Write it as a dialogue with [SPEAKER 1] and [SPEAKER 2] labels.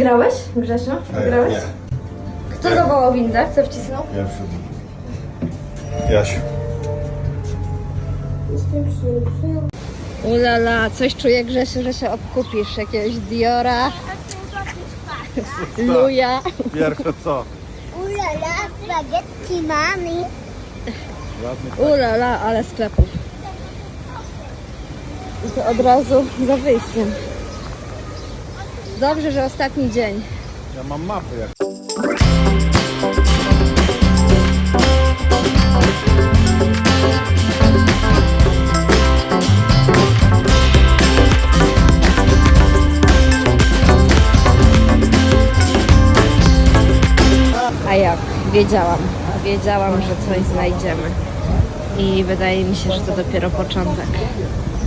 [SPEAKER 1] Wygrałeś, Grzesiu? Wygrałeś?
[SPEAKER 2] Nie.
[SPEAKER 1] Kto zawołał windę? Kto wcisnął?
[SPEAKER 2] Pierwszy. Jasiu.
[SPEAKER 1] Ulala, coś czuję, Grzesiu, że się obkupisz. Jakiegoś Diora, Luja.
[SPEAKER 2] Pierwsze co?
[SPEAKER 3] Ulala, spaghetti mami.
[SPEAKER 1] Ulala, ale sklepów. I to od razu za wyjściem. Dobrze, że ostatni dzień.
[SPEAKER 2] Ja mam mapy jak.
[SPEAKER 1] A jak? Wiedziałam, że coś znajdziemy. I wydaje mi się, że to dopiero początek.